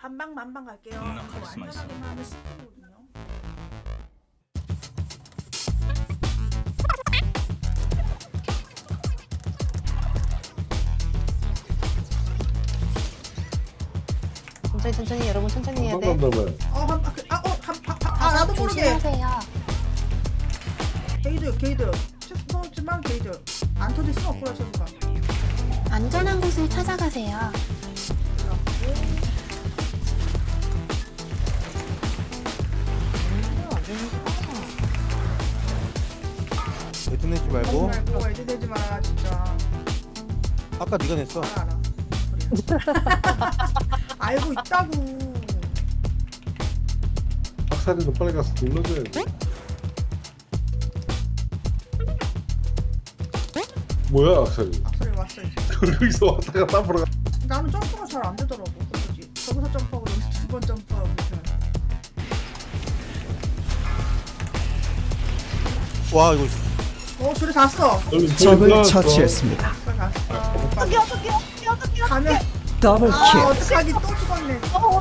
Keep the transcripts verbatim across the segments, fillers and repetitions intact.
반방 만방 갈게요. 음, 이거 카리스마 있어. 안전하게만 하면 십 분이거든요. 천천히 천천히 여러분 천천히 해야 돼. 한번더면 어, 한, 아, 그, 아, 어, 한, 한, 한, 아, 나도 모르게. 조심하세요. 게이드, 게이드. 체스터지만 게이드. 안 터질 순 없구나, 체스가. 안전한 곳을 찾아가세요. 애도 내지 하지 말고 말고 애들 되지 마라, 진짜. 아까 네가 냈어. 알아, 알아. 그래. 알고 있다고. 박사리도 빨리 가서 눌러줘야지. 뭐야 악사리? 악소리 왔어, 이제. 여기서 왔다 갔다 앞으로 가. 나는 점프가 잘 안 되더라고. 그거지. 저기서 점프하고 여기서 두 번 점프하고 이렇게. 와 이거 어, 줄이 닿았어. 적을 처치했습니다. 빨리 갔어. 어떡해 어떡해 어떡해 어떡해. 가면 더블 아 킬. 어떡하기 또 죽었네.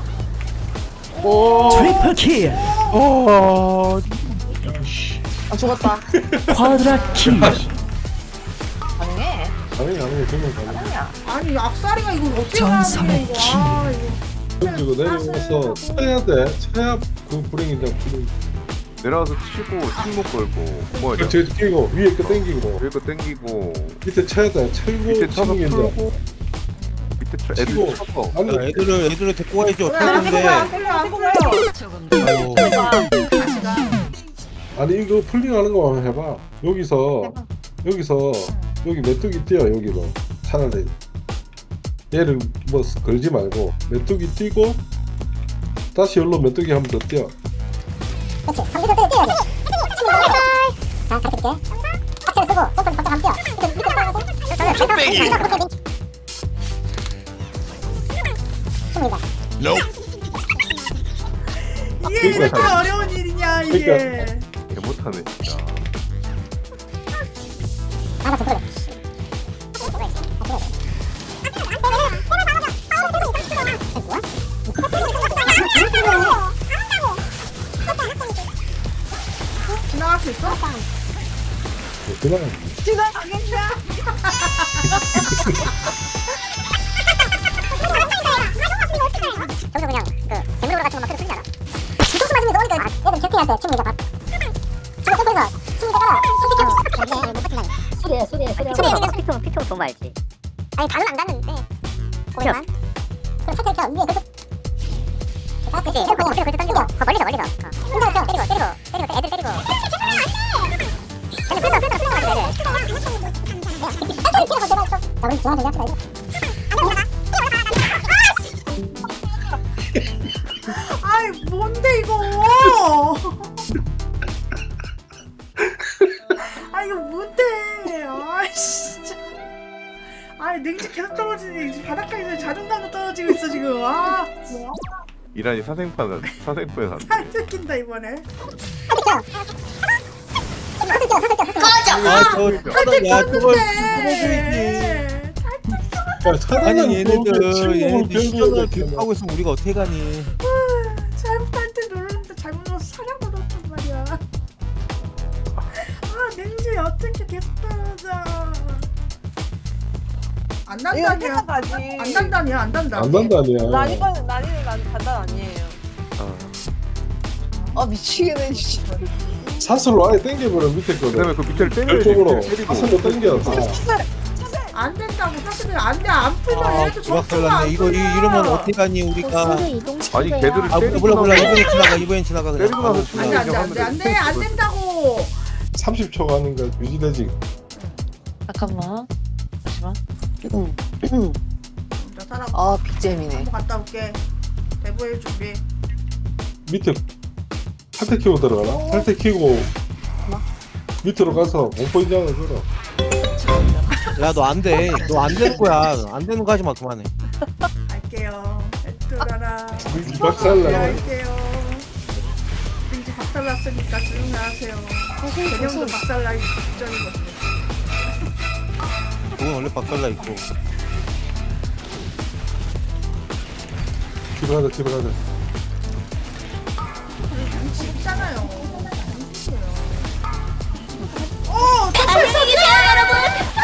트리플 킬. 어 아 죽었다. 쿼드라 킬. 가능해. 아니 아니 정말 가능. 아니야. 아니 악살이가 이걸 어떻게 전설의 하는 이거. 아 이거. 던지고 내려와서 쳐야 돼. 쳐야 그 불행이다 불행. 내려와서 치고 침묵 걸고 뭐야 그 제도 끼고 위에 거 당기고 여기 땡기고 밑에 쳐야 돼. 철고 밑에 쳐서 치는 게 풀고 밑에 쳐 애들 치고. 쳐서 아니 야, 애들을 애들을 데리고 가야지 어떻게 안 끌려 안 하는데. 끌려 안 끌려. 아유 아니 이거 풀링하는 거 한번 해봐. 여기서 여기서 여기 메뚜기 뛰어 여기로 차라리 얘를 뭐 걸지 말고 메뚜기 뛰고 다시 여기로 메뚜기 한 번 더 뛰어. 그렇지. 감기도 뛰어, 뛰어야지. 자, 가르쳐줄게. 박스를 쓰고, 손톱 갑자기 안 뛰어. 밑에, 밑에 떨어져서. 쭈빼기! 이게 이렇게 어려운 일이냐 이게. 그러니까. 개 못하네 진짜 나가 좀 그래. 지나갈 수 있어? 그냥 지나가겠냐? 저기서 그냥 그 재물로 같은 거 막 그래 풀리잖아. 뒤통수 맞으면서 오니까 얘들 캐스팅할 때 친구가 밥. 저거 점프해서 친구가 선택하고 못 버틴다니. 소리야 소리야 소리야. 소리 얘기는 피통 피통 좀 알지. 아니 다는 안 닿는데 고래만. 그럼 살짝 펴 위에 계속. 아, 그치. 그리고 그리고 그때 당기고. 더 멀리서 멀리서. 혼자 펴 때리고 때리고 때리고 애들 때리고. 애들 끌어 끌어 끌어 가지고 애들. 야, 뒤로 가 내가 있어. 야, 우리 중앙에 합시다 이거. 아이 뭔데 이거? 아 이거 뭔데? 아 진짜. 아 냉지 계속 떨어지니 지금 바닥까지 자존감도 떨어지고 있어 지금. 아 이란이 사생판 사생부에 산 살 뜯긴다 이번에. 아저 야 그걸 네. 야 차라리 아니 얘네들 친구를 얘네들 배우는 시전을 거잖아. 교육하고 있으면 우리가 어떻게 가니. 잘못할 때 누르는데 잘못 눌러서 사냥도 넣었단 말이야. 아 냉지 어떻게 계속 떨어져? 안 이거 난다니야. 생각하지. 안 난다니야 안 난다. 안 난다니야. 난이건 난이는 난 단단 아니에요. 아, 아 미치겠네 진짜. 사슬로 아예 당겨버려 밑에 거를. 그다음에 그 밑에를 때려야지 별쪽으로 밑에를 때리고 사슬로 당겨. 안 된다고 사실은 안돼 안 풀면 아 얘네들 점수가 부각살났네. 안 이거 이, 풀려. 이러면 어떻게 가니 우리가. 보스를 이동시키세요. 아니 걔들을 아 때리고 몰라 몰라 나서 이번엔 지나가 이번엔 지나가 그냥. 때리고 나서 아, 치고 안돼 안돼 안돼 안돼 안 된다고. 삼십 초 가는가 유지되지. 잠깐만. 잠시만. 자 사람 아 빅잼이네. 한번 갔다 올게. 대보일 준비. 밑에 탈퇴 키고 들어가나? 탈퇴 키고 밑으로 가서 공포 인장을 걸어. 야너 안 돼. 너 안 되는 거야. 안 되는 거 하지 마 그만해. 갈게요. 에트라라. 민지 박살나. 할게요. 민지 박살났으니까 조용히 하세요. 조심 개념도 조심. 박살나기 직전이거든요. 그건 원래 박살나 있고. 집에 가자 집에 가자. 쉽잖아요. 어, 안녕히 계세요, 여러분.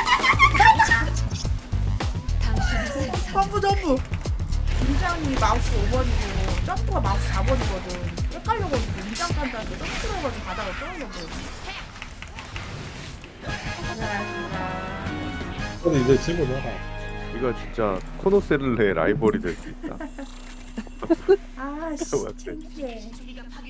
점프 점프. 인장이 마우스 오 번이고 점프가 마우스 사 번이거든. 헷갈려가지고 인장 간다는데 점프 들어가지고 가다가 떨어져버려. 근데 이제 집어넣어라. 이거 진짜 코노셀레 라이벌이 될 수 있다. 아, 씨, 창피해.